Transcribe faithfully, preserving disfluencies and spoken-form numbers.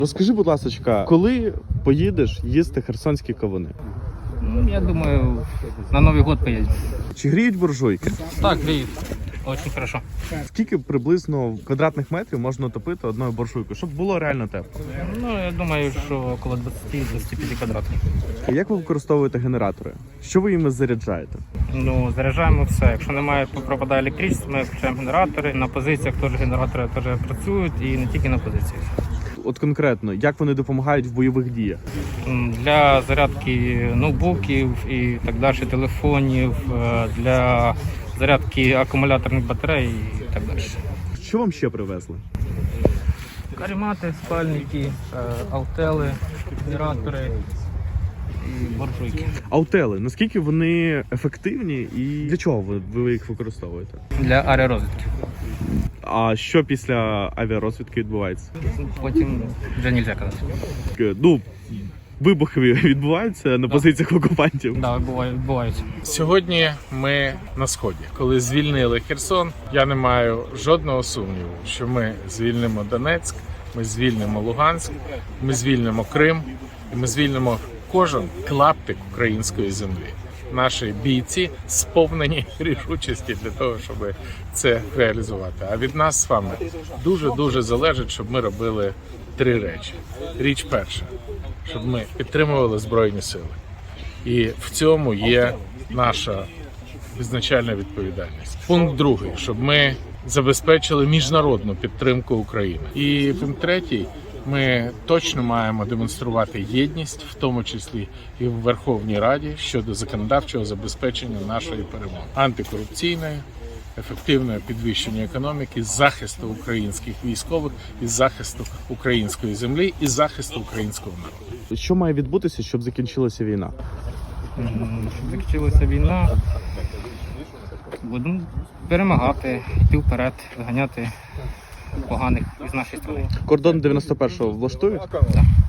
Розкажи, будь ласка, коли поїдеш їсти херсонські кавуни? Ну, я думаю, на Новый год поедем. Чи гріють буржуйки? Так, греет. Очень хорошо. Скільки приблизно квадратних метрів можна топити одною буржуйкою, щоб було реально тепло? Ну, я думаю, що около двадцять-двадцять п'ять квадратів. Як ви використовуєте генератори? Що ви їми заряджаєте? Ну, заряджаємо все. Якщо немає, пропадає електричество, ми включаємо генератори. На позиціях теж генератори теж працюють і не тільки на позиціях. От конкретно, як вони допомагають в бойових діях? М, Для зарядки ноутбуків і так далі, телефонів, е, для зарядки акумуляторних батарей і так далі. Що вам ще привезли? Каремати, спальники, е, аутели, генератори і буржуйки. Аутели, наскільки вони ефективні і для чого ви, ви їх використовуєте? Для аеророзвідки. А що після авіарозвідки відбувається? Потім вже не можна казати. Е, Ну, вибухи відбуваються на позиціях окупантів. Да, буває- відбуваються. Сьогодні ми на сході. Коли звільнили Херсон, я не маю жодного сумніву, що ми звільнимо Донецьк, ми звільнимо Луганськ, ми звільнимо Крим, і ми звільнимо кожен клаптик української землі. Наші бійці сповнені рішучості для того, щоб це реалізувати. А від нас з вами дуже-дуже залежить, щоб ми робили три речі. Річ перша, щоб ми підтримували Збройні Сили. І в цьому є наша визначальна відповідальність. Пункт другий, щоб ми забезпечили міжнародну підтримку України. І пункт третій, ми точно маємо демонструвати єдність, в тому числі і в Верховній Раді, щодо законодавчого забезпечення нашої перемоги. Антикорупційної, ефективного підвищення економіки, захисту українських військових, і захисту української землі, і захисту українського народу. Що має відбутися, щоб закінчилася війна? М, Щоб закінчилася війна, будемо перемагати, йти вперед, виганяти поганих із нашої країни. Кордон дев'яносто першого влаштують? Так.